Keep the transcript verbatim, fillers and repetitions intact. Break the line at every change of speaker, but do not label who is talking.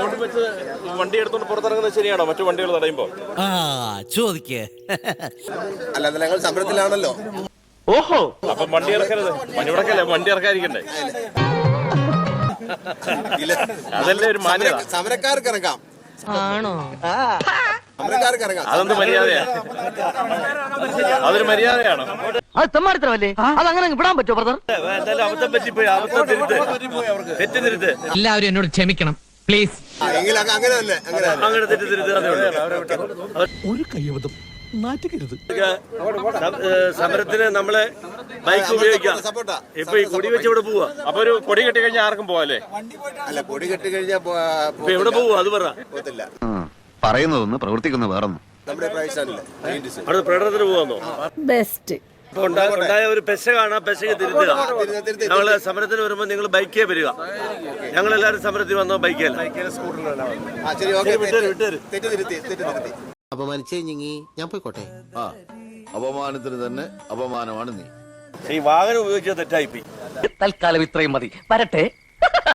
Board വെച്ച് വണ്ടി എടുത്തോണ്ട് പുറത്തിറങ്ങുന്നത് ശരിയാണോ മറ്റു വണ്ടികൾ തടയുമ്പോ?
ആ ചോദിക്കേ.
അല്ല ഞങ്ങൾ സമരത്തിലാണല്ലോ.
ഓഹോ, അപ്പൊ വണ്ടി ഇറക്കരുത്. മണിവിടക്കല്ലേ വണ്ടി ഇറക്കാതിരിക്കണ്ടേ? അതല്ലേ ഒരു മാന്യത.
സമരക്കാർക്ക് ഇറങ്ങാം.
ആണോ?
സമരക്കാർക്ക് ഇറങ്ങാം.
അതെന്ത് മര്യാദയാ? അതൊരു മര്യാദയാണോ?
അത് തെമ്മാടിത്തരമല്ലേ? അതങ്ങനെ വിടാൻ പറ്റുമോ ബ്രദർ?
എന്തായാലും അബദ്ധം പറ്റിപ്പോയി. അബദ്ധം തിരുത്ത്, തെറ്റ് തിരുത്ത്.
എല്ലാവരും എന്നോട് ക്ഷമിക്കണം പ്ലീസ്.
എങ്കിൽ അങ്ങനെ തന്നെ
അങ്ങനെ തെറ്റ് തിരുത്ത്.
ഒരു കയ്യബദ്ധം നാറ്റുകരുത്.
സമരത്തിന് നമ്മളെ ബൈക്ക് ഉപയോഗിക്കാം. ഇപ്പൊ ഈ കൊടി വെച്ച് ഇവിടെ പോവാ. അപ്പൊ ഒരു കൊടി കെട്ടി കഴിഞ്ഞാൽ ആർക്കും പോവാല്ലേ?
അല്ല, കൊടി കെട്ടി കഴിഞ്ഞാൽ
എവിടെ പോവാ? അത് പറ.
പോകത്തില്ല.
പറയുന്നതൊന്ന് പ്രവർത്തിക്കുന്ന വേറൊന്നും.
നമ്മുടെ പ്രൈസാണല്ലേ
അവിടെ പ്രകടനത്തിന് പോവാന്നോ?
ബെസ്റ്റ്.
ഉണ്ടായ ഒരു പെശ കാണാം, പെശക്ക് തിരുത്തുക. ഞങ്ങള് സമരത്തിന് വരുമ്പോ നിങ്ങൾ ബൈക്കേ വരിക. ഞങ്ങളെല്ലാരും സമരത്തിന് വന്നോ ബൈക്കല്ല.
അപമാനിച്ചേ ഞാൻ പോയിക്കോട്ടെ.
ആ അപമാനത്തിന് തന്നെ അപമാനമാണ് നീ.
ഈ വാഹനം ഉപയോഗിച്ചത് തെറ്റായിപ്പോയി.
തൽക്കാലം ഇത്രയും മതി. വരട്ടെ.